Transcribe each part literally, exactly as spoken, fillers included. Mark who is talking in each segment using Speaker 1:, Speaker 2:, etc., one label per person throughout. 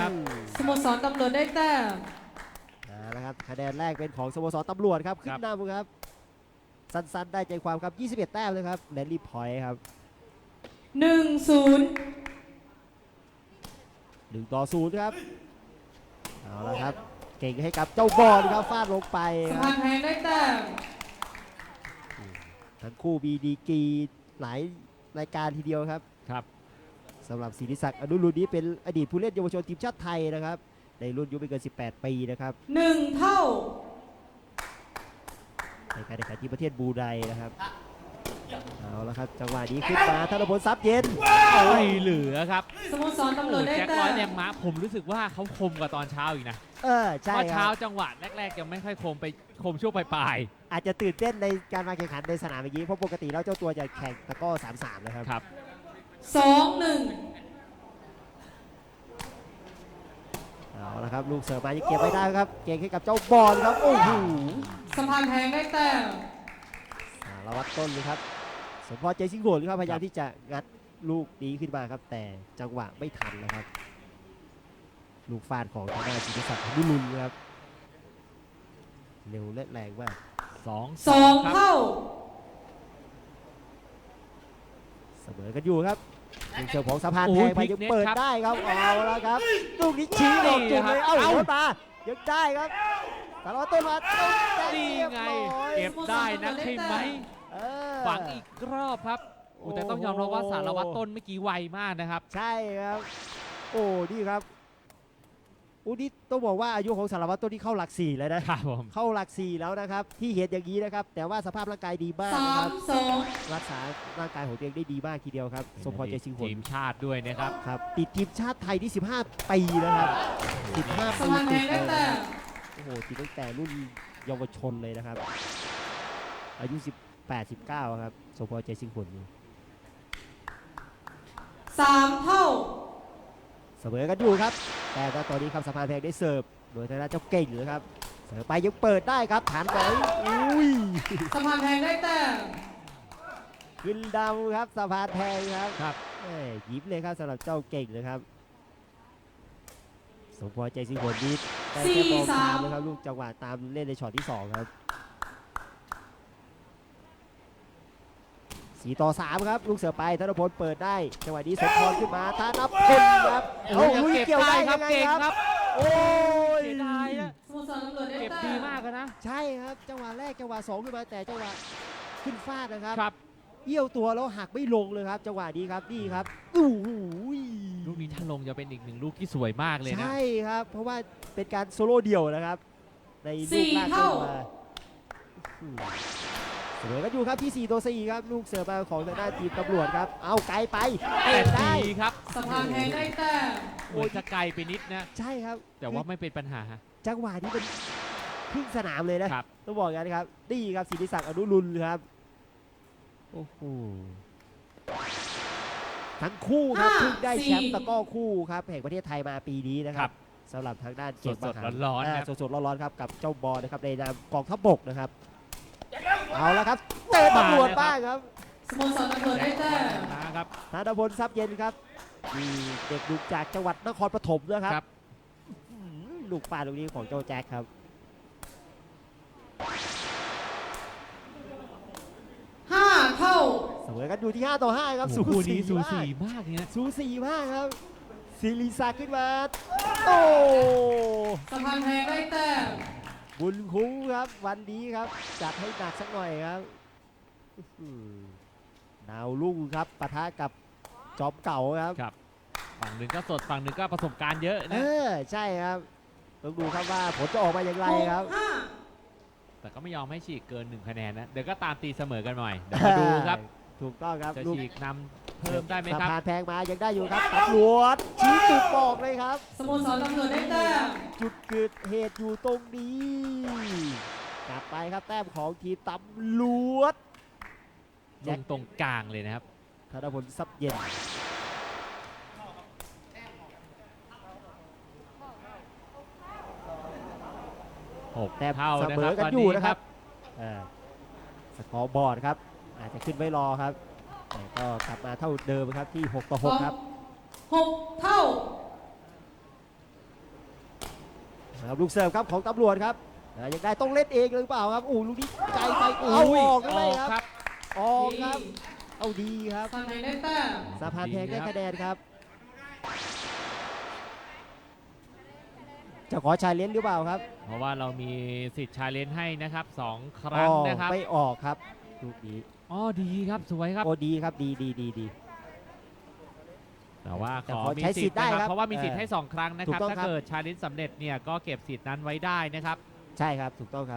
Speaker 1: ครับ
Speaker 2: สโมสรตำรวจได้แต้ม
Speaker 3: เอาละครับคะแนนแรกเป็นของสโมสรตำรวจครับขึ้นนำครับสั้นๆได้ใจความครับยี่สิบเอ็ดแต้มเลยครับแรลลี่พอยต์ครับ
Speaker 2: หนึ่งศูนย์
Speaker 3: หนึ่งต่อศูนย์ครับเอาละครับเก่งให้กับเจ้าบอลครับฟาดลงไปค
Speaker 2: สะ
Speaker 3: รับ
Speaker 2: พานแพงได้แต้ม
Speaker 3: ทั้งคู่มีดีกรีหลายรายการทีเดียวครับ
Speaker 1: ครับ
Speaker 3: สำหรับศิริศักดิ์อนุรุณนี้เป็นอดีตผู้เล่นเยาวชนทีมชาติไทยนะครับในรุ่นอายุไม่เกินสิบแปดปีนะครับ
Speaker 2: หนึ่งเท่า
Speaker 3: ในการแข่งขันที่ประเทศบรูไนนะครับเอาละครับจังหวะนี้ขึ้นมาธนพลทรัพย์เย็น
Speaker 1: ไม่เหลือครับ
Speaker 2: สโมสรตำรวจได้
Speaker 1: แจ็ค
Speaker 2: แต้
Speaker 1: ร้อย
Speaker 2: ม
Speaker 1: แรงม้าผมรู้สึกว่าเขาคมกว่าตอนเช้าอีกนะ
Speaker 3: เออใช่
Speaker 1: เพราะ
Speaker 3: ค
Speaker 1: เช้า
Speaker 3: รับ
Speaker 1: จังหวะแรกๆยังไม่ค่อยคมไปคมช่วงปลาย
Speaker 3: อาจจะตื่นเต้นในการมาแข่งขันในสนามอย่างนี้เพราะปกติแล้วเจ้าตัวจะแข่งตะกร้อสามสามนะครับ
Speaker 1: ๆครับ
Speaker 2: สองหนึ่ง
Speaker 3: เอาละครับลูกเสิร์ฟมายังเก็บไม่ได้ครับเก่งให้กับเจ้าบอลครับโอ้โห
Speaker 2: สะพานแพงได้แต้ม
Speaker 3: สารวัตรต้นเลยครับสมพรใจสิงห์โหนครับพยายามที่จะงัดลูกนี้ขึ้นมาครับแต่จังหวะไม่ทันนะครับลูกฟาดของทางด้านศิริศักดิ์อนุรุณครับเร็วและแรงมาก
Speaker 1: สอง
Speaker 2: สอง
Speaker 1: ครับ
Speaker 2: เท่า
Speaker 3: เสมอกันอยู่ครับลูกเสิร์ฟของสะพานแพงไปยังเปิดได้ครับเอาละครับลูกนี้ชี้ลงจุดเลยเอ้าหัวตายังได้ครับสารวัตรต้นมาต้นแต้ม
Speaker 1: นี่
Speaker 3: เรียบ
Speaker 1: ไง
Speaker 3: ร้อย
Speaker 1: เก็บได้นะใช่ไหม
Speaker 3: เออ
Speaker 1: ฝังอีกรอบครับโอ้แต่ต้องยอมรับว่าสารวัตรต้นเมื่อกี้ไวมากนะครับ
Speaker 3: ใช่ครับโอ้นี่ครับอู้นี่ต้องบอกว่าอายุของสารวัตรต้นที่เข้าหลักสี่แล้วนะครับ
Speaker 1: ผม
Speaker 3: เข้าหลักสี่แล้วนะครับที่เห็นอย่างนี้นะครับแต่ว่าสภาพร่างกายดีมาก
Speaker 2: สา
Speaker 3: นะค
Speaker 2: ม
Speaker 3: รับ
Speaker 2: สอง
Speaker 3: รักษาร่างกายของตัวเองได้ดีมากทีเดียวครับสมพรใจสิงห์โห
Speaker 1: ที
Speaker 3: น
Speaker 1: มชาติด้วยนะครับ
Speaker 3: ครับติดทีมชาติไทยที่สิบห้าปีนะครับสิบห้า
Speaker 2: สะ
Speaker 3: ปี
Speaker 2: พานแพ
Speaker 3: ติ
Speaker 2: ง
Speaker 3: ด
Speaker 2: ได้
Speaker 3: เลย
Speaker 2: แต้ม
Speaker 3: โอ้โหติดตั้งแต่รุ่นเยาวชนเลยนะครับอายุสิบแปด สิบเก้าครับสมพรใจสิงห์โหน
Speaker 2: สามเท่า
Speaker 3: เสมอกันอยู่ครับแต่ว่าตอนนี้ครับสะพานแพงได้เสิร์ฟโดยทางด้านเจ้าเก่งเลยครับเสิร์ฟไปยังเปิดได้ครับฐานไหนอุ้ย
Speaker 2: สะพานแพงได้แต้ม
Speaker 3: ขึ้นดาวครับสะพานแพงครับ
Speaker 1: ครับ
Speaker 3: แหม่ยิ้มเลยครับสำหรับเจ้าเก่งเลยครับสมพรใจสิงห์โหนนี้ได้แค่มองตามนะครับลูกจังหวะตามเล่นในช็อตที่สองครับสี่ต่อสามครับลูกเสือไปธนพลเปิดได้จังหวะนี้สมพรขึ้นมาธนพลครับ
Speaker 1: โอ้ย
Speaker 3: ลุย
Speaker 1: เก็บ
Speaker 3: เกี่ยว
Speaker 1: ได้
Speaker 3: ได้
Speaker 1: ครั
Speaker 3: ยั
Speaker 1: บ
Speaker 3: งไง
Speaker 1: เก่ง
Speaker 3: ครับ
Speaker 1: ครับ
Speaker 3: โอ้ย
Speaker 1: เสียดายนะ
Speaker 2: สโมสรตำรวจได้
Speaker 1: เก็บ
Speaker 2: แต้
Speaker 1: ดี
Speaker 2: ม
Speaker 1: มากเลยนะ
Speaker 3: ใช่ครับจังหวะแรกจังหวะสองขึ้นมาแต่จังหวะขึ้นฟาดนะครับ
Speaker 1: ครับ
Speaker 3: เอี้ยวตัวแล้วหักไม่ลงเลยครับจังหวะนี้ครับนี่ครับอู้หู
Speaker 1: ลูกนี้ถ้าลงจะเป็นอีกหนึ่งลูกที่สวยมากเลยนะ
Speaker 3: ใช่ครับเพราะว่าเป็นการโซโล่เดี่ยวนะครับในลูกลากขึ้นมาอืมเสมอกันอยู่ครับที่สี่ต่อสี่ครับลูกเสือมาของทางด้านทีมตำรวจครับเอาไกลไป
Speaker 1: แต่
Speaker 3: เตะได้
Speaker 1: ดีครับ
Speaker 2: สะพานแพงได้แต้ม
Speaker 1: เหมือนจะไกลไปนิดนะ
Speaker 3: ใช่ครับ
Speaker 1: แต่ว่าไม่เป็นปัญหา
Speaker 3: จังหวะนี้เป็นครึ่งสนามเลยนะครับ ต้องบอกอย่างนี้นครับนี่ครับศิริศักดิ์อนุรุณครับโอ้โหทั้งคู่ครับเพิ่งได้แชมป์ตะกร้อคู่ครับแห่งประเทศไทยมาปีนี้นะค
Speaker 1: ครั
Speaker 3: รับบ สำหรับทางด้านเกม
Speaker 1: สดๆ
Speaker 3: มหา
Speaker 1: ร้อนๆ
Speaker 3: า
Speaker 1: ครับ
Speaker 3: สดๆร้อนๆครับกับเจ้าบอลนะครับในนามกองทัพบกนะครับเอาละครับเตะตำรวจบ้างครับ
Speaker 2: สโมสรตำรวจได้แต้ม
Speaker 1: นะครับ
Speaker 3: ธนพลทรัพย์เย็นครับมีเด็กดุจากจังหวัดนครปฐมนะครับ
Speaker 1: ครับ
Speaker 3: อืมลูกปลาลูกนี้ของเจ้าแจ็คครับ
Speaker 2: ห้าเท่า
Speaker 3: เสมอกันอยู่ที่ห้าต่อห้าครับ
Speaker 1: โอ้โหคู่นี้สู
Speaker 3: มาก
Speaker 1: สีมากเนี่ย
Speaker 3: สูสีมากครับศิริศักดิ์ขึ้นมาโอ้
Speaker 2: สะพานแพงได้แต้ม
Speaker 3: บุญคุ้มครับวันนี้ครับจัดให้หนักสักหน่อยครับอื้อหือดาวลุ่งครับปะทะกับจอมเก่าครับ
Speaker 1: ครับ ฝั่งหนึ่งก็สดฝั่งหนึ่งก็ประสบการณ์เยอะ
Speaker 3: เอ
Speaker 1: นะ
Speaker 3: อใช่ครับต้องดูครับว่าผลจะออกมาอย่างไร
Speaker 2: หก
Speaker 3: ครับ
Speaker 2: ห้า
Speaker 1: แต่ก็ไม่ยอมให้ฉีกเกินหนึ่งคะแนนนะ เดี๋ยวก็ตามตีเสมอกันหน่อย เดี๋ยวมาดูครับ
Speaker 3: ถูกต้องครับ
Speaker 1: จะ
Speaker 3: ลูก
Speaker 1: ฉีกนำเพิ่มได้ไหมครับ
Speaker 3: สะพานแพงมายังได้อยู่ครับตำรวจชี้จุดบอกเลยครับ
Speaker 2: สโมสรตำรวจได้แต้ม
Speaker 3: จุดเกิดเหตุอยู่ตรงนี้กลับไปครับแต้มของทีมตำรวจ
Speaker 1: ลงตรงกลางเลยนะครับ
Speaker 3: ธนพลทรัพย์เย็น
Speaker 1: หก
Speaker 3: แต้ม
Speaker 1: เท่า
Speaker 3: เส
Speaker 1: นะ
Speaker 3: ม
Speaker 1: ครั
Speaker 3: อบ กัน
Speaker 1: ตอน
Speaker 3: อยู่
Speaker 1: นี้
Speaker 3: นะ
Speaker 1: ค
Speaker 3: ค
Speaker 1: รั
Speaker 3: รับ บอ่าสกอร์บอร์ดครับอาจจะขึ้นไว้รอครับแต่ก็กลับมาเท่าเดิมครับที่หกต่อหกครับ
Speaker 2: หกเท่า
Speaker 3: ครับลูกเสิร์ฟครับของตำรวจครับอ่ายังได้ต้องเล่นเองหรือเปล่าครับอู้ลูกนี้ไกลไปเอา
Speaker 1: อุ้ย
Speaker 3: ออก
Speaker 1: อ
Speaker 3: เล
Speaker 1: อย ก
Speaker 3: ครับ
Speaker 1: ครับ
Speaker 3: ออกครับเอาดีครับ
Speaker 2: สะพานแพงได้แต้ม
Speaker 3: สะพานแพงได้คะแนนครับจะขอชาเลนจ์หรือเปล่าครับ
Speaker 1: เพราะว่าเรามีสิทธิ์ชาเลนจ์ให้นะครับสองค
Speaker 3: อ๋
Speaker 1: รั้ง
Speaker 3: อ
Speaker 1: นะครับ
Speaker 3: ไม่ออกครับลูกนี้
Speaker 1: อ๋อดีครับสวยครับ
Speaker 3: โอ้ดีครับดีดีดีดี
Speaker 1: แต่ว่า
Speaker 3: แต่
Speaker 1: ขอ
Speaker 3: ขอ
Speaker 1: มี
Speaker 3: ใช้สิ
Speaker 1: สิ
Speaker 3: ท
Speaker 1: ท
Speaker 3: ธิ์
Speaker 1: ธิ์
Speaker 3: ได้
Speaker 1: นะครับ
Speaker 3: ครับ
Speaker 1: เพราะว่ามีสิทธิ์
Speaker 3: เออ
Speaker 1: ให้สองครั้งนะค
Speaker 3: ถู
Speaker 1: รับ
Speaker 3: กต้อง
Speaker 1: ถ้า
Speaker 3: ครับ
Speaker 1: เกิดชาเลนจ์สำเร็จเนี่ยก็เก็บสิทธิ์นั้นไว้ได้นะครับ
Speaker 3: ใช่ครับถูกต้องครับ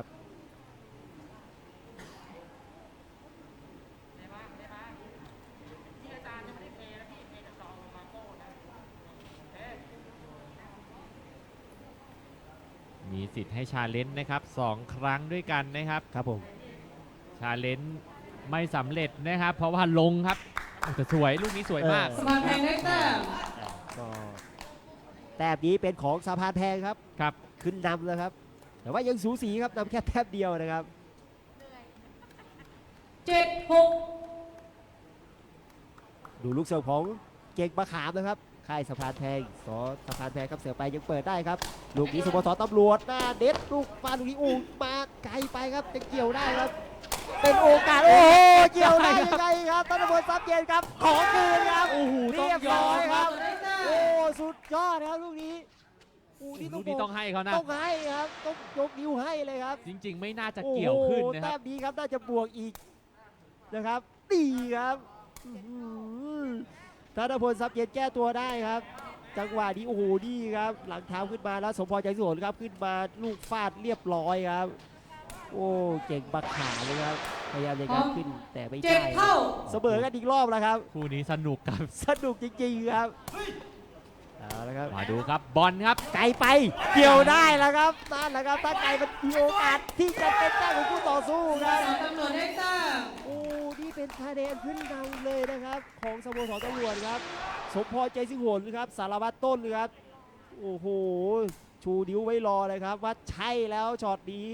Speaker 1: มีสิทธิ์ให้ชาเลนจ์นะครับสองครั้งด้วยกันนะครับ
Speaker 3: ครับผม
Speaker 1: ชาเลนจ์ไม่สำเร็จนะครับ เพราะว่าลงครับโอ้แต่สวยลูกนี้สวยมาก
Speaker 2: สะพานแพงได้แต้ม
Speaker 3: ก็แต้มนี้เป็นของสะพานแพงครับ
Speaker 1: ครับ
Speaker 3: ขึ้นนำแล้วครับ แต่ว่ายังสูสีครับนำแค่แต้มเดียวนะครับ
Speaker 2: เจ็ดหก
Speaker 3: ดูลูกเสิร์ฟของเก่งมะขามนะครับค่ายสะพานแพงสอสะพานแพงครับเสือไปยังเปิดได้ครับลูกนี้สโมสรตำรวจหน้าเด็ดลูกฟาดลูกนี้อู้มาไกลไปครับจะเกี่ยวได้ครับ เป็นโอกาสโอ้โหเกี่ยวได้ยังไงครับธนบุญทรัพย์เย็นครับขอคืนครับ
Speaker 1: โอ้โหต้อง
Speaker 3: เรียบ
Speaker 1: ย
Speaker 3: ร้
Speaker 1: อ
Speaker 3: อ
Speaker 1: ม
Speaker 3: ย
Speaker 1: ค
Speaker 3: ค
Speaker 1: รั
Speaker 3: รั
Speaker 1: บบ
Speaker 2: ได้แต้
Speaker 3: โอ้
Speaker 2: ม
Speaker 3: สุดยอดครับลูกนี้อู้นี่
Speaker 1: ลู
Speaker 3: ต้อก ง
Speaker 1: นี้
Speaker 3: บ
Speaker 1: ต้
Speaker 3: อ
Speaker 1: อก งให้เขานะ
Speaker 3: ต้องให้ครับต้องยกนิ้วให้เลยครับ
Speaker 1: จริง ๆ ไม่น่าจะเกี่ยวขึ้นนะค
Speaker 3: โอ้โหแต้
Speaker 1: รับ
Speaker 3: มนี้ครับน่าจะบวกอีกนะครับดีครับอื้อหือธนพลทรัพย์เย็นแก้ตัวได้ครับ จังหวะนี้โอ้โหดีครับ หลังเท้าขึ้นมาแล้วสมพรใจสวนครับขึ้นมาลูกฟาดเรียบร้อยครับ โอ้เก่งบักขาเลยครับพยายามจะงัดขึ้นแต่ไม่
Speaker 2: เจ็ด
Speaker 3: ได้
Speaker 2: เท่า
Speaker 3: เสมอกันอีกรอบแล้วครับ
Speaker 1: คู่นี้สนุกครับ
Speaker 3: สนุกจริงๆครับเอาละครับ
Speaker 1: มาดูครับบอลครับ
Speaker 3: ไกลไปเกี่ยวได้แล้วครับนั่นแหละครับถ้าไกลมันมีโอกาสที่จะเป็นแต้มของคู่ต่อสู้
Speaker 2: ส
Speaker 3: ครับ
Speaker 2: โมสรตำรวจได้แต้ม
Speaker 3: โอ้ นี่เป็นคะแนนขึ้นนำเลยนะครับ ของสโมสรตำรวจครับ สมพรใจสิงห์โหนครับ สารวัตรต้นครับ โอ้โห ชูนิ้วไว้รอเลยครับ ว่าใช่แล้วช็อตนี้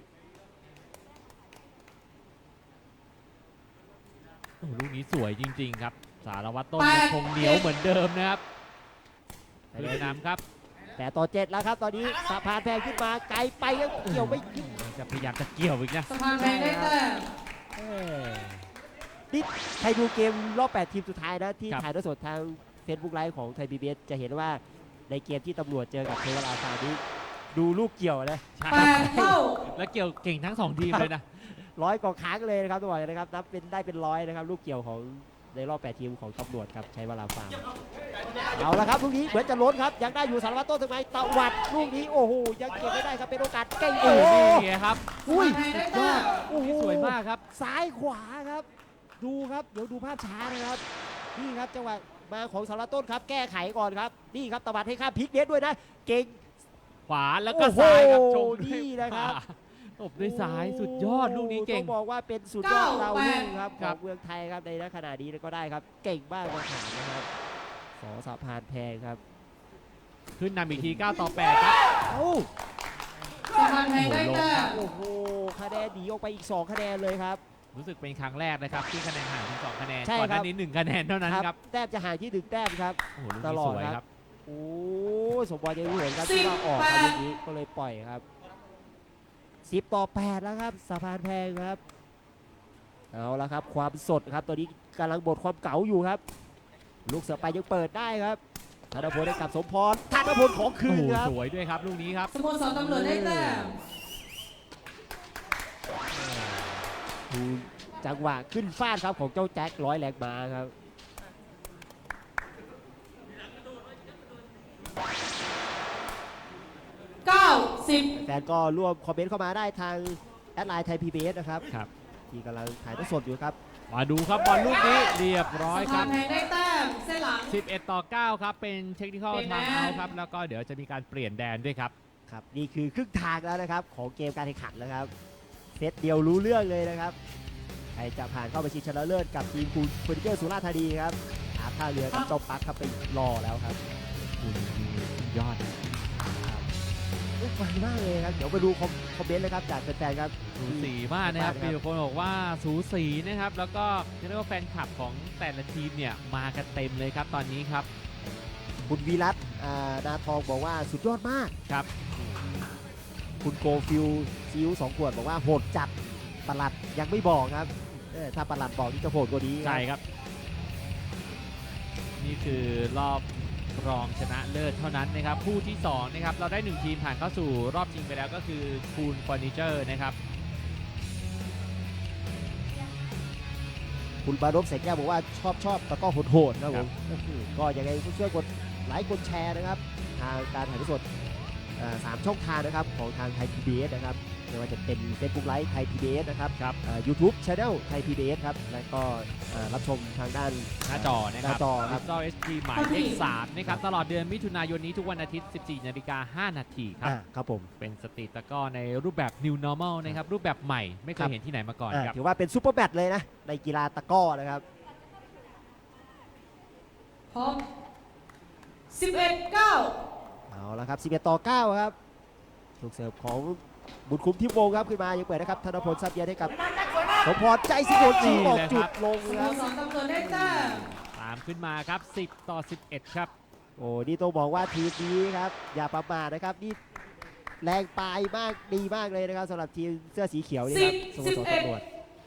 Speaker 1: โอ้ลูกนี้สวยจริง ๆ ครับ สารวัตรต้นยังคงเหนียวเหมือนเดิมนะครับเลยนำครับ
Speaker 3: แต่ต่อเจ็ดแล้วครับตอนนี้สะพานแพงขึ้นมาไกลไปแล้วเกี่ยวไม่ขึ้น
Speaker 1: จะพยายามจะเกี่ยวอีกนะ
Speaker 2: สะพานแพงได้แต้ม
Speaker 3: เอ้ยนี่ใครดูเกมรอบแปดทีมสุดท้ายนะที่
Speaker 1: ครับ
Speaker 3: ถ่ายทอดสดทาง Facebook Live ของไทยพีบีเอสจะเห็นว่าในเกมที่ตำรวจเจอกับเทวราฟานี้ดูลูกเกี่ยวนะ
Speaker 1: ใช่
Speaker 2: แปดเท่า
Speaker 1: และเกี่ยวเก่งทั้งสองทีมเลยนะ
Speaker 3: ร้อยกว่าครั้งเลยนะครับตัวบอกเลยนะครับนับเป็นได้เป็นร้อยนะครับลูกเกี่ยวของในรอบแปดทีมของตำรวจครับใช้เวลาฟาร์มเอาละครับลูกนี้เหมือนจะล้นครับยังได้อยู่สารวัตรต้นทำไมตะวัดลูกนี้โอ้โหยังเก็บไม่ได้ครับเป็นโอกาสเก่ง
Speaker 1: โอ้
Speaker 3: โอ้
Speaker 1: โห
Speaker 3: โห
Speaker 1: นี่ไงครับ
Speaker 3: อุ้ย
Speaker 2: สะพานแพงได้แต้ม
Speaker 3: โอ้โห
Speaker 1: สวยมากครับ
Speaker 3: ซ้ายขวาครับ ดูครับเดี๋ยวดูภาพช้านะครับนี่ครับจังหวะมาของสารวัตรต้นครับแก้ไขก่อนครับนี่ครับตะวัดให้ข้ามพลิกเน็ตด้วยนะเก่ง
Speaker 1: ขวาแล้วก็
Speaker 3: โอ้โห
Speaker 1: ซ้ายครับชมด้วย
Speaker 3: นี่นะครับ
Speaker 1: ขวาตบด้วยซ้ายสุดยอดลูกนี้เก่ง
Speaker 3: ต้องบอกว่าเป็นสุดยอด
Speaker 2: เก้า
Speaker 3: ดาวรุ่งครับ
Speaker 1: ค
Speaker 3: ข
Speaker 1: รั
Speaker 3: อบ งเมืองไทยครับในขณะนี้ก็ได้ครับ เก่งมากมาถามนะครับสอสะพานแพงครับ
Speaker 1: ขึ้นนำอีกทีเก้าต่อแปดครับ
Speaker 3: เอ้า
Speaker 2: สะพานแพงได้แต้ม
Speaker 3: โอ้โหคะแนนหนีออกไปอีกสองคะแนนเลยครับ
Speaker 1: รู้สึกเป็นครั้งแรกนะครับที่คะแนนห่างถึงสองคะแนน
Speaker 3: ใช่
Speaker 1: ก่อนห
Speaker 3: ครั
Speaker 1: น้า
Speaker 3: บ
Speaker 1: นี้หนึ่งคะแนนเท่านั้นครับ
Speaker 3: แต้มจะห่างที่หนึ่งแต้มครับ
Speaker 1: โอ้โหลูก
Speaker 3: ต
Speaker 1: นี้
Speaker 3: ลอ
Speaker 1: ส
Speaker 3: ด
Speaker 1: วย
Speaker 3: ครับ
Speaker 1: ครับ
Speaker 3: โอ้สมบัติยังรู้เห็นครับที่ว่าออกครับอย่างนี้ก็เลยปล่อยครับสิบต่อแปดแล้วครับสะพานแพงครับเอาละครับความสดครับตอนนี้กำลังบดความเก๋าอยู่ครับ ลูกเสือไปยังเปิดได้ครับธนพลได้กลับสมพรธนพลของคื
Speaker 1: โอ้
Speaker 3: น
Speaker 1: โห
Speaker 3: ครับ
Speaker 1: สวยด้วยครับลูกนี้ครับ
Speaker 2: สโมสรตำรวจได้แต้ม
Speaker 3: ดูจังหวะขึ้นฟาดครับของเจ้าแจ็คร้อยแรงมาครับ
Speaker 2: เก้าสิบ
Speaker 3: แฟนก็ร่วมคอมเมนต์เข้ามาได้ทางแอดไลน์ไทยพีบีเอสนะครับ
Speaker 1: ครับ
Speaker 3: ที่กำลังถ่ายทอดสดอยู่ครับ
Speaker 1: มาดูครับบอลลูกนี้เรียบร้อย
Speaker 2: สะ
Speaker 1: ค
Speaker 2: พา
Speaker 1: รั
Speaker 2: น
Speaker 1: บ
Speaker 2: แพงได้แต้มเส้นหลัง
Speaker 1: สิบเอ็ดต่อเก้าครับเป็นเทคนิคอล
Speaker 2: เปลี่ยน
Speaker 1: ทาง
Speaker 2: แดน
Speaker 1: เอาครับแล้วก็เดี๋ยวจะมีการเปลี่ยนแดนด้วยครับ
Speaker 3: ครับนี่คือครึ่งทางแล้วนะครับของเกมการแข่งขันนะครับเซตเดียวรู้เรื่องเลยนะครับใครจะผ่านเข้าไปชิงชนะเลิศกับทีมคูเฟอร์นิเจอร์สุราษฎร์ธานีครับอาท่าเรือกับเจ้าปักครับไปรอแล้วครับ
Speaker 1: คุณยอด
Speaker 3: อุ๊ยมันมากเลยครับเดี๋ยวไปดูคอมคอมเมนต์เลยครับจากแฟนๆครับ
Speaker 1: สูสีมากนะครับ
Speaker 3: ครับ
Speaker 1: มีคนบอกว่าสูสีนะครับ แล้วก็เรียกว่าแฟนคลับของแต่ละทีมเนี่ยมากันเต็มเลยครับตอนนี้ครับ
Speaker 3: คุณวีรัตน์อ่านาทองบอกว่าสุดยอดมาก
Speaker 1: ครับ
Speaker 3: คคุณโกฟิลซิวสองขวดบอกว่าโหดจัดปลัดยังไม่บอกครับเออถ้าปลัดบอกนี่จะโหดกว่านี้ครับ
Speaker 1: ใช่ครับ นี่คือรอบรองชนะเลิศเท่านั้นนะครับคู่ที่สองนะครับเราได้หนึ่งทีมผ่านเข้าสู่รอบชิงไปแล้วก็คือคูนเฟอร์นิเจอร์นะครับ
Speaker 3: คุณบารบแสงแก้วบอกว่าชอบชอบตะกร้อโหดๆครับ
Speaker 1: ค
Speaker 3: ผ
Speaker 1: รั
Speaker 3: ม
Speaker 1: บ
Speaker 3: ก็ยังไงก็ช่วยกดไลค์กดแชร์นะครับ ทางการถ่ายทอดสดเอ่อสามช่องทางนะครับของทางไทย พี บี เอส นะครับไม่ว่าจะเป็น Facebook Live ไทย พี บี เอส นะครับ
Speaker 1: ครับ
Speaker 3: ยูทูบ Channel ไทย พี บี เอส ครับแล้วก็เอ่อรับชมทางด้าน
Speaker 1: หน้าจอนะ
Speaker 3: ห
Speaker 1: ค
Speaker 3: น้า
Speaker 1: รับ
Speaker 3: จอครับ
Speaker 1: Digital เอส ดี หมายเลขสามนะครับตลอดเดือนมิถุนายนนี้ทุกวันอาทิตย์ สิบสี่นาฬิกาห้านาทีครับ
Speaker 3: อ่าครับผม
Speaker 1: เป็นสตรีทตะกร้อในรูปแบบ New Normal นะครับรูปแบบใหม่ไม่เค
Speaker 3: ครั
Speaker 1: ย
Speaker 3: บ
Speaker 1: เห็นที่ไหนมาก่อน
Speaker 3: อ่า
Speaker 1: ครับ
Speaker 3: ถือว่าเป็นซูเปอร์แบทเลยนะ ในกีฬาตะกร้อนะครับ
Speaker 2: พร้อมสิบเอ็ด เก้า
Speaker 3: เอาละครับสิบเอ็ดต่อเก้าครับลูกเสิร์ฟของบุญคุ้มทิพย์วงศ์ครับขึ้นมายังเปิดนะครับธนพลซับเยียนให้กับสมพรใจสิงห์โหดชิงออกจุดลง
Speaker 2: ส
Speaker 3: ค
Speaker 2: โม
Speaker 3: รับ
Speaker 2: สรตำรวจได้แต้ม
Speaker 1: ตามขึ้นมาครับ สิบ ต่อ สิบเอ็ด ครับ
Speaker 3: โอ้นี่ต้องบอกว่าทีมนี้ครับอย่าประมาทนะครับนี่แรงปลายมากดีมากเลยนะครับสำหรับทีมเสื้อสีเขียวนี่ครับสโมสรตำรวจ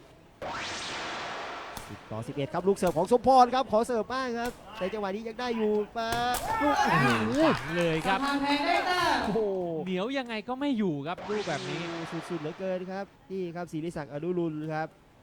Speaker 3: สิบต่อสิบเอ็ดครับลูกเสิร์ฟของสมพรครับขอเสิร์ฟบ้างครับในจังหวะนี้ยังได้อยู่มาลูกโอ้โห
Speaker 1: เลยค
Speaker 2: สะ
Speaker 1: รับ
Speaker 2: พานแพงได้แต้ม
Speaker 3: โอ้โห
Speaker 1: เหนียวยังไงก็ไม่อยู่ครับรูปแบบนี้
Speaker 3: สุดๆเหลือเกินครับนี่ครับศิริศักดิ์อนุรุณครับ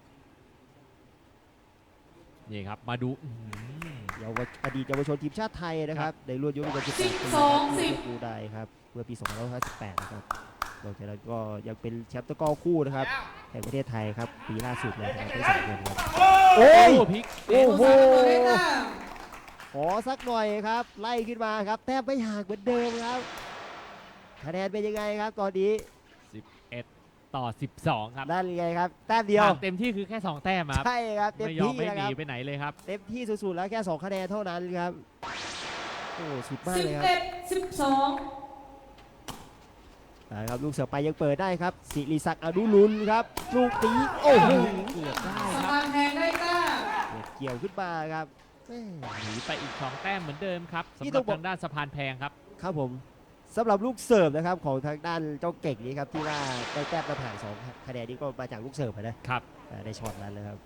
Speaker 1: นี่ครับมาดูอื้อหือ
Speaker 3: เยาวชอดีตเยาวชนทีมชาติไทยนะครับในรุ่นอายุไม่เกินสิบแปดปี
Speaker 2: สิบสองสิบ
Speaker 3: ดูได้ครับเมื่อปีสองพันห้าร้อยสิบแปดนะครับนอกจากนั้นก็ยังเป็นแชมป์ตะกร้อคู่นะครับแห่งประเทศไทยครับปีล่าสุดเลยนะครับทั้งสองคนครับโอ้
Speaker 1: โอ้
Speaker 3: ย
Speaker 1: พลิก
Speaker 3: โอ้โห
Speaker 2: สโมสรตำรวจได้แต้ม
Speaker 3: ขอสักหน่อยครับไล่ขึ้นมาครับแต้มไม่ห่างเหมือนเดิมครับคะแนนเป็นยังไงครับตอนนี้
Speaker 1: สิบเอ็ด ต่อ สิบสอง ครับ
Speaker 3: นั่นไงครับแต้มเดียว
Speaker 1: ห่างเต็มที่คือแค่สองแต้มครับ
Speaker 3: ใช่ครับเต็ม
Speaker 1: ไม่ยอม
Speaker 3: ที่
Speaker 1: ไม่
Speaker 3: นะ
Speaker 1: ห
Speaker 3: ค
Speaker 1: นี
Speaker 3: รับ
Speaker 1: ไปไหนเลยครับ
Speaker 3: เต็มที่สุดๆแล้วแค่สองคะแนนเท่านั้นครับโอ้สุดมาก
Speaker 2: สิบ
Speaker 3: เลยครับ
Speaker 2: เอ็ด สิบสอง
Speaker 3: นะครับลูกเสือไปยังเปิดได้ครับสิริศักดิ์อนุรุณครับลูกตีโอ้โหเกือบได้
Speaker 2: สะ
Speaker 3: ครับ
Speaker 2: พานแพงได้แต้ม
Speaker 3: เกี่ยวขึ้นมาครับแม่
Speaker 1: หนีไปอีกสองแต้มเหมือนเดิมครับ
Speaker 3: นี่
Speaker 1: สำห
Speaker 3: ต้
Speaker 1: รั
Speaker 3: อบ งบอก
Speaker 1: ทางด้านสะพานแพงครับ
Speaker 3: ครับผมสำหรับลูกเสิร์ฟนะครับของทางด้านเจ้าเก่งนี้ครับที่ว่าได้แต้มนำห่างสองคะแนนนี้ก็มาจากลูกเสิร์ฟนะครับ อ่าในช็อตนั้นเลยครับ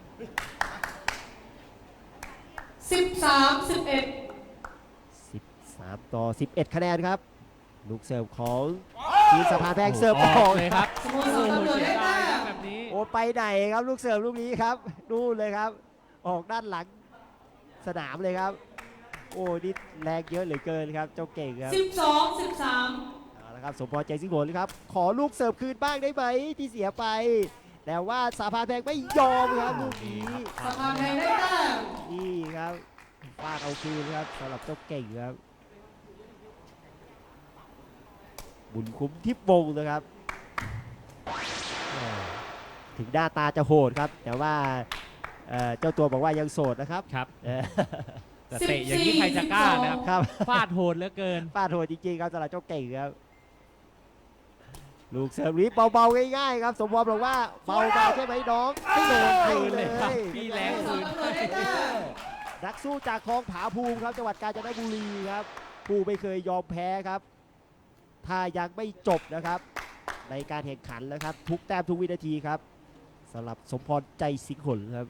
Speaker 2: สิบสาม สิบเอ็ด
Speaker 3: สิบสามต่อสิบเอ็ดคะแนนครับลูกเสิร์ฟของทีมสะพานแพงเสิร์ฟออก
Speaker 1: เลยครับ
Speaker 2: สโมสรตำรวจ
Speaker 1: เสีย
Speaker 2: ได้
Speaker 1: ดาย
Speaker 2: แต้
Speaker 1: ครับ
Speaker 2: ม
Speaker 1: แบบนี้
Speaker 3: โอ้ไปไหนครับลูกเสิร์ฟลูกนี้ครับนู่นเลยครับ ออกด้านหลังสนามเลยครับ โอ้นี่แรงเยอะเหลือเกินครับเจ้าเก่งครับ
Speaker 2: สิบสอง สิบสาม
Speaker 3: เอาละครับสมพรใจสิงห์โหนครับขอลูกเสิร์ฟคืนบ้างได้ไหมที่เสียไป แต่ว่าสาพานแพงไม่ยอมครับลูกนี้
Speaker 2: สะพานแพงได้แต้ม
Speaker 3: นี่ครับฟาดเอาคืนครับสำหรับเจ้าเก่งครับบุญคุ้มทิพย์วงศ์นะครับแหม่ถึงหน้าตาจะโหดครับ แต่ว่าเอ่อเจ้าตัวบอกว่ายังโสดนะครับ
Speaker 1: ครับ
Speaker 3: เออ
Speaker 1: แต่เตะอย่างนี้ใครจะกล้านะครับ
Speaker 3: ครับ
Speaker 1: ฟาดโหดเหลือเกิน
Speaker 3: ฟาดโหดจริงๆครับสำหรับเจ้าเก่งครับลูกเสิร์ฟนี้เบาๆง่ายๆครับสมพรบอกว่าเบาๆใช่ไหมน้องไม่โดนคืนเลย
Speaker 1: ครับพี่แรง
Speaker 2: สโมสรตำรวจได้แต้ม
Speaker 3: นักสู้จากคลองผาภูมิครับจังหวัดกาญจนบุรีครับผู้ไม่เคยยอมแพ้ครับ ถ้ายังไม่จบนะครับ ในการแข่งขันนะครับ ทุกแต้มทุกวินาทีครับสำหรับสมพรใจสิงห์หนครับ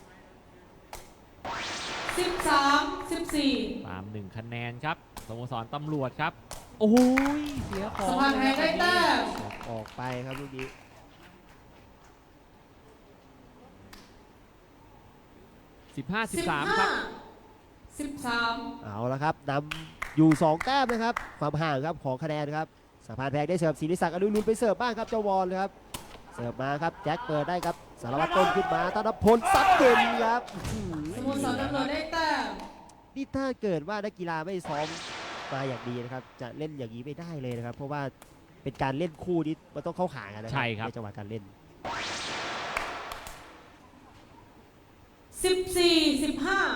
Speaker 2: สิบสาม สิบสี่
Speaker 1: ตามหนึ่งคะแนนครับสโมสรตำรวจครับ โอ้ยเสียของ
Speaker 2: สะพานแพงได้แต้ม
Speaker 3: ออกออกไปครับลูกนี้
Speaker 1: สิบห้า สิบ
Speaker 2: สิบ
Speaker 1: สาม
Speaker 2: ห้า
Speaker 1: ครับ
Speaker 2: สิบสาม
Speaker 3: เอาละครับนำอยู่สองแต้มนะครับความห่างครับของคะแนนครับสะพานแพงได้เสิร์ฟศิริศักดิ์อนุรุณไปเสิร์ฟบ้างครับเจ้าวอลครับเสิร์ฟมาครับแจ็คเปิดได้ครับสารวัตรต้นขึ้นมาธนพลซัดเด่นครับอื้อ
Speaker 2: ส
Speaker 3: หือ
Speaker 2: โมสรตำรวจได้แต้ม
Speaker 3: นี่ถ้าเกิดว่านักกีฬาไม่ซ้อมมาอย่างดีนะครับจะเล่นอย่างนี้ไม่ได้เลยนะครับ เพราะว่าเป็นการเล่นคู่นี้มันต้องเข้าขากันนะครั
Speaker 1: ใช่ครับ
Speaker 3: ในจังหวะการเล่น
Speaker 2: สิบสี่ สิบห้า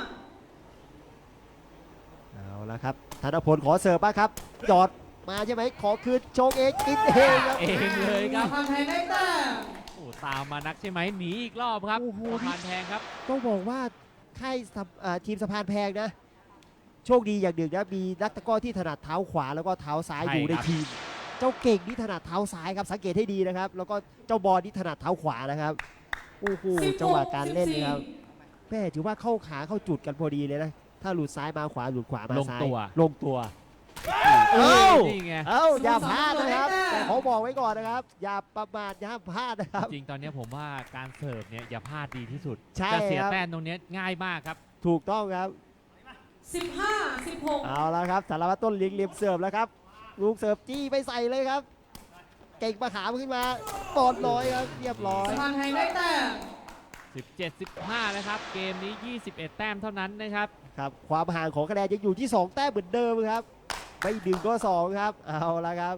Speaker 3: เอาละครับธนพลขอเสิร์ฟบ้างครับจอดมาใช่ไหมขอคืนโชกเองกินเองครับ
Speaker 1: เองเลยค
Speaker 2: สะ
Speaker 1: รับ
Speaker 2: พานแพงได้แต้ม
Speaker 1: โอ้ตามมานักใช่ไหมหนีอีกรอบครับ
Speaker 3: โอ้โห
Speaker 1: สะพานแพงครับ
Speaker 3: ต้องบอกว่าค่ายสะเอ่อทีมสะพานแพงนะ โชคดีอย่างหนึ่งนะมีนักตะกร้อที่ถนัดเท้าขวาแล้วก็เท้าซ้าย
Speaker 1: ใช่
Speaker 3: อยู่ใน
Speaker 1: ครับ
Speaker 3: ทีมเจ้าเก่งนี่ถนัดเท้าซ้ายครับสังเกตให้ดีนะครับ แล้วก็เจ้าบอลนี่ถนัดเท้าขวานะครับโอ้โหจังหวะการเล่นนะครับแม่ถือว่าเข้าขาเข้าจุดกันพอดีเลยนะถ้าหลุดซ้ายมาขวาหลุดขวามา
Speaker 1: ลง
Speaker 3: ซ้าย
Speaker 1: ตัว
Speaker 3: ลงตัว
Speaker 1: เอ้
Speaker 3: เอ้า
Speaker 1: ยนี่ไง
Speaker 3: เอ้าอย่าพลาดนะครับ แต่ขอบอกไว้ก่อนนะครับ อย่าประมาทอย่าพลาดนะครับ
Speaker 1: จริงตอนนี้ผมว่าการเสิร์ฟเนี่ยอย่าพลาดดีที่สุด
Speaker 3: ใช่
Speaker 1: จะเสีย
Speaker 3: ครับ
Speaker 1: แต้มตรงเนี้ยง่ายมากครับ
Speaker 3: ถูกต้องครับ
Speaker 2: สิบห้า สิบหก
Speaker 3: เอาละครับสารวัตรต้นเลี้ยงเหลี่ยมเสิร์ฟแล้วครับลูกเสิร์ฟจี้ไปใส่เลยครับ เก่งมาขามขึ้นมาปอดลอยครับเรียบร้อย
Speaker 2: สะพานไทยได้แต้ม
Speaker 1: สิบเจ็ด สิบห้า นะครับ เกมนี้ ยี่สิบเอ็ด แต้มเท่านั้นนะครับ
Speaker 3: ครับความห่างของคะแนนยังอยู่ที่สองแต้มเหมือนเดิมครับไม่ดึงก็สองครับเอาละครับ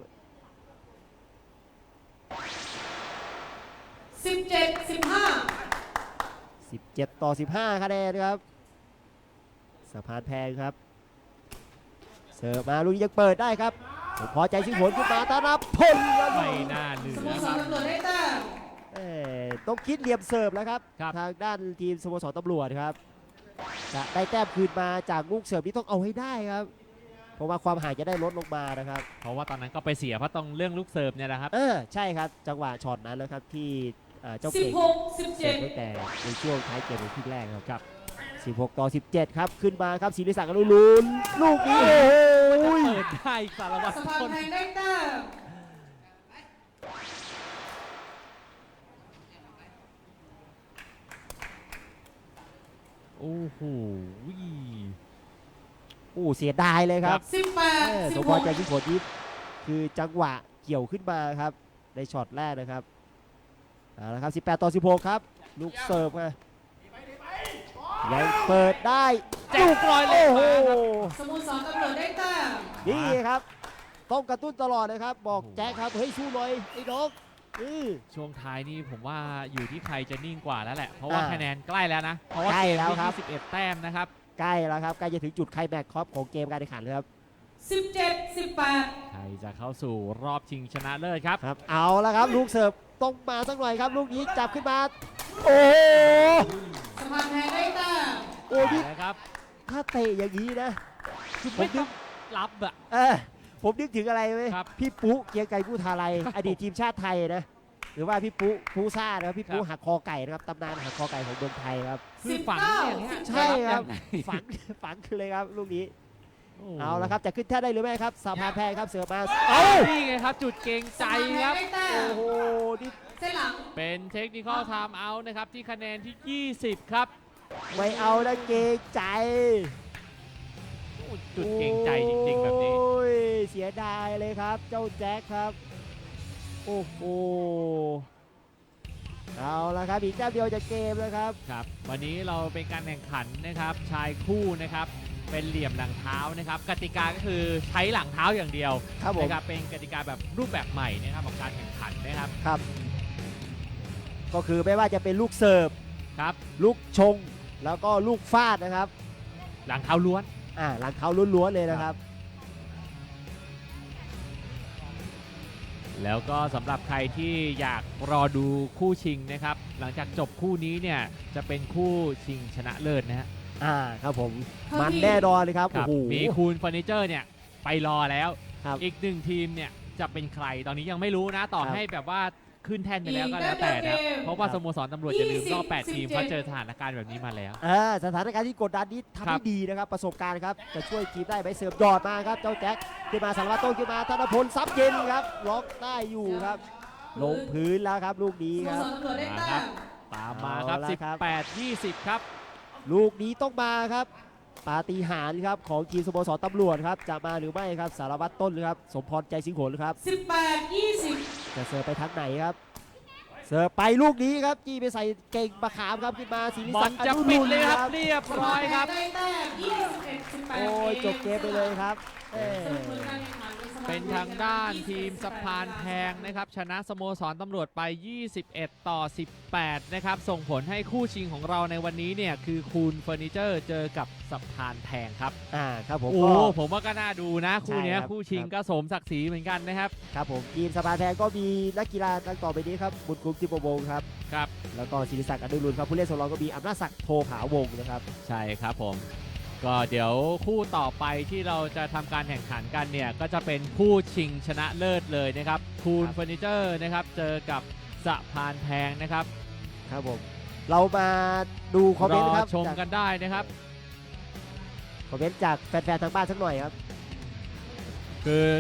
Speaker 2: สิบเจ็ด สิบห้า
Speaker 3: สิบเจ็ด ต่อ สิบห้า คะแนนครับสะพานแพงครับเสิร์ฟมาลูกนี้ยังเปิดได้ครับผมพอใจชิงผลขึ้นมาธนพลครับ
Speaker 1: ไม่น่าเหลื
Speaker 2: ส
Speaker 1: อ
Speaker 2: โมส
Speaker 1: ค
Speaker 2: ร
Speaker 1: รับ
Speaker 2: ตำรวจได้แต้ม
Speaker 3: เอ่อต้องคิดเหลี่ยมเสิร์ฟแล้วครับ
Speaker 1: ครับ
Speaker 3: ทางด้านทีมสโมสรตำรวจครับจะได้แต้มคืนมาจากลูกเสิร์ฟที่ต้องเอาให้ได้ครับเพราะว่าความห่างจะได้ลดลงมานะครับ
Speaker 1: เพราะว่าตอนนั้นก็ไปเสียเพราะต้องเรื่องลูกเสิร์ฟเนี่ยนะครับ
Speaker 3: เออใช่ครับจังหวะช็อตนั้นแล้วครับที่เอ่อเจ้า
Speaker 2: สิบ
Speaker 3: เก่ง
Speaker 2: หก สิบ
Speaker 3: เสิ
Speaker 2: เจ็
Speaker 3: ร์
Speaker 2: ด
Speaker 3: ฟตั้งแต่ในช่วงท้ายเกมในครึ่งแรกครับครับสิบหก ต่อ สิบเจ็ด ครับขึ้นมาครับศิริศักดิ์อนุรุณลูกนี้โอ้โห
Speaker 1: เปิดได้สารวัตร
Speaker 2: สะพาน
Speaker 1: ต้น
Speaker 2: ไทยได้แต้ม
Speaker 1: โอ้โห
Speaker 3: โอ้เสียดายเลยครับ
Speaker 2: สิบแปด
Speaker 3: เออ
Speaker 2: สิ
Speaker 3: ส
Speaker 2: บ
Speaker 3: ม
Speaker 2: ห
Speaker 3: พร
Speaker 2: ก
Speaker 3: ใจยิ่งผลนี้คือจังหวะเกี่ยวขึ้นมาครับในช็อตแรกนะครับเอาละครับสิบแปด ต่อ สิบหก ครับลูกเสิร์ฟไงยังเปิดได้
Speaker 1: แจ็คปล่อยเลย
Speaker 3: โอ้โห
Speaker 1: มาครับ
Speaker 2: สโมสรตำรวจได้แต้ม
Speaker 3: นี่ครับ ต้องกระตุ้นตลอดนะครับ บอกแจ็คครับ เฮ้ยสู้หน่อยไอ้น้องอือ
Speaker 1: ช่วงท้ายนี่ผมว่าอยู่ที่ใครจะนิ่งกว่าแล้วแหละ เพราะว่า
Speaker 3: อ่า
Speaker 1: คะแนนใกล้แล้วนะ เพราะว่า
Speaker 3: ใกล้
Speaker 1: เกม
Speaker 3: แล้ว
Speaker 1: ที่
Speaker 3: ครับ
Speaker 1: ยี่สิบเอ็ด แต้มนะครับ
Speaker 3: ใกล้แล้วครับใกล้จะถึงจุดไคลแม็กซ์ครับของเกมการแข่งขันเลยครับ
Speaker 2: สิบเจ็ด สิบแปด
Speaker 1: ใครจะเข้าสู่รอบชิงชนะเลิศครับ
Speaker 3: ครับเอาละครับลูกเสิร์ฟต้องมาสักหน่อยครับ ลูกนี้จับขึ้นมา โอ้โห
Speaker 2: สะพานไทยได้แต้ม
Speaker 3: โอ้พี่
Speaker 1: นะครับ
Speaker 3: ถ้าเตะอย่างนี้นะ
Speaker 1: คือ
Speaker 3: ผ
Speaker 1: ไม่
Speaker 3: มนึ
Speaker 1: ต้อก งรับอะ
Speaker 3: เออผมนึกถึงอะไรไหม
Speaker 1: ครับ
Speaker 3: พี่ปุ๊เกรียงไกรผู้ทาไร
Speaker 1: ครับ
Speaker 3: อดีตทีมชาติไทยนะหรือว่าพี่ปุ๊ผู้ซ่านะครับพี่ปุ๊
Speaker 1: ครับ
Speaker 3: หักคอไก่นะครับตำนานหักคอไก่ของเมืองไทยครับ
Speaker 1: คือฝังอย่างเงี้ย
Speaker 3: ใช่ครับ
Speaker 1: จะยังไง
Speaker 3: ฝังฝังคือเลยครับลูกนี้
Speaker 1: โอ้
Speaker 3: เอาละครับจะขึ้นแท่นได้หรือไม่ครับสาพานแพงครับเสือมา
Speaker 1: เอ้า
Speaker 3: เอ้า
Speaker 1: นี่ไงครับ จุดเกรงใจ
Speaker 2: สะพานไทย
Speaker 1: ครับ
Speaker 2: ได้แต้
Speaker 3: โอ้
Speaker 2: ม
Speaker 3: โหนี่
Speaker 2: เส้นหลัง
Speaker 1: เป็นเทคนิคอลไทม์เอาท์นะครับ ที่คะแนนที่ ยี่สิบ ครับ
Speaker 3: ไม่เอานะเกรงใจ
Speaker 1: โอ้จุดเกรงใจจริงๆแบบนี้
Speaker 3: โอ้ยเสียดายเลยครับ เจ้าแจ็คครับโอ้โหเอาละครับอีกแต้มเดียวจะเกมแล้วครับ
Speaker 1: ครับ วันนี้เราเป็นการแข่งขันนะครับชายคู่นะครับ เป็นเหลี่ยมหลังเท้านะครับ กติกาก็คือใช้หลังเท้าอย่างเดียว
Speaker 3: ครับผม
Speaker 1: นะครับเป็นกติกาแบบรูปแบบใหม่นะครับของการแข่งขันนะครับ
Speaker 3: ครับ ก็คือไม่ว่าจะเป็นลูกเสิร์ฟ
Speaker 1: ครับ
Speaker 3: ลูกชง แล้วก็ลูกฟาดนะครับ
Speaker 1: หลังเท้าล้วน
Speaker 3: อ่าหลังเท้าล้วนๆเลยนะครับ
Speaker 1: แล้วก็สำหรับใครที่อยากรอดูคู่ชิงนะครับ หลังจากจบคู่นี้เนี่ยจะเป็นคู่ชิงชนะเลิศนะฮะ
Speaker 3: อ่าครับผม
Speaker 2: ครับ
Speaker 3: มัน
Speaker 2: พี่
Speaker 3: แน่นอนเลยครับ
Speaker 1: ครั
Speaker 3: โอ้
Speaker 1: บ
Speaker 3: โห
Speaker 1: มีคูณเฟอร์นิเจอร์เนี่ยไปรอแล้ว
Speaker 3: ครับ
Speaker 1: อีกหนึ่งทีมเนี่ยจะเป็นใครตอนนี้ยังไม่รู้นะ ต่อ
Speaker 3: ครับ
Speaker 1: ให้แบบว่าขึ้นแท่นไปแล้วก็แล้ว
Speaker 2: อีก
Speaker 1: แต่
Speaker 2: แต้
Speaker 1: นะ
Speaker 2: มเดียวเกม
Speaker 1: เพราะว่า
Speaker 3: ครับ
Speaker 1: สโมสรตำรวจอย่าลืมรอบแปด
Speaker 2: ยี่สิบ
Speaker 1: ทีม
Speaker 2: สิบเจ็ด
Speaker 1: เขาเจอสถานการณ์แบบนี้มาแล้ว
Speaker 3: อ่าสถานการณ์ที่กดดันนี้ทำ
Speaker 1: ครั
Speaker 3: ได้
Speaker 1: บ
Speaker 3: ดีนะครับ ประสบการณ์ครับ จะช่วยทีมได้ไหมเสิร์ฟยอดมาครับ เจ้าแจ็คขึ้นมาสารวัตรโต้ขึ้นมาธนพลซับเย็นครับ ล็อกได้อยู่ครับ ลงพื้นแล้วครับ ลูกนี้
Speaker 2: สโม
Speaker 3: ครับ
Speaker 2: สรตำรวจได้
Speaker 1: มา
Speaker 2: แต้
Speaker 1: ครับ
Speaker 2: ม
Speaker 1: ตามมาครับ
Speaker 3: เอาละครับ
Speaker 1: สิบแปด ยี่สิบ ครับ
Speaker 3: ลูกนี้ต้องมาครับ ปาฏิหาริย์ครับของทีมสโมสรตำรวจครับ จะมาหรือไม่ครับ สารวัตรต้นครับ สมพรใจสิงห์โขนครับ
Speaker 2: สิบแปด ยี่สิบ
Speaker 3: จะเสิร์ฟไปทางไหนครับ เสิร์ฟไปลูกนี้ครับ จี้ไปใส่เก่งมะขามครับขึ้นมาศิริ
Speaker 1: บอ
Speaker 3: ศั
Speaker 1: ล
Speaker 3: กดิ์
Speaker 1: จะ
Speaker 3: อนุ
Speaker 1: ปิด
Speaker 3: รุณ
Speaker 1: เลยค
Speaker 3: ค
Speaker 1: รั
Speaker 3: รั
Speaker 1: บบ เรียบร้อยครับ
Speaker 2: ได้แต้มยี่สิบเอ็ด สิบแปด
Speaker 3: โอ้ยจบเกมไปเลยครับเอ้ย
Speaker 2: สรุปผลการแข่งขันสมาคม
Speaker 1: เป็นทางด้านทีมสะพานแพงนะครับ ชนะสโมสรตำรวจไป ยี่สิบเอ็ด ต่อ สิบแปด นะครับ ส่งผลให้คู่ชิงของเราในวันนี้เนี่ยคือคูณเฟอร์นิเจอร์เจอกับสะพานแพงครับ
Speaker 3: อ่าครับผม
Speaker 1: โอ้
Speaker 3: ก็
Speaker 1: ผมว่าก็น่าดูนะ คู่เนี้ย
Speaker 3: ใช่ครับ
Speaker 1: คู่ชิง
Speaker 3: ครับ
Speaker 1: ก็สมศักดิ์ศรีเหมือนกันนะครับ
Speaker 3: ครับผมทีมสะพานแพงก็มีนักกีฬาดังต่อไปนี้ครับบุญคุ้มทิพวงศ์ครับ
Speaker 1: ครับ
Speaker 3: แล้วก็ศิริศักดิ์อนุรุณครับผู้เล่นสำรองก็มีอำนาจศักดิ์โทผาวงศ์นะครับ
Speaker 1: ใช่ครับผมก็เดี๋ยวคู่ต่อไปที่เราจะทำการแข่งขันกันเนี่ยก็จะเป็นคู่ชิงชนะเลิศเลยนะครับคูนเฟอร์นิเจอร์นะครับเจอกับสะพานแพงนะครับ
Speaker 3: ครับผมเรามาดูคอมเม
Speaker 1: ร
Speaker 3: น
Speaker 1: อ
Speaker 3: ต์ครับ
Speaker 1: ชม
Speaker 3: จาก
Speaker 1: กันได้นะครับ
Speaker 3: คอมเมนต์จากแฟนๆทางบ้านสักหน่อยครับ
Speaker 1: คือ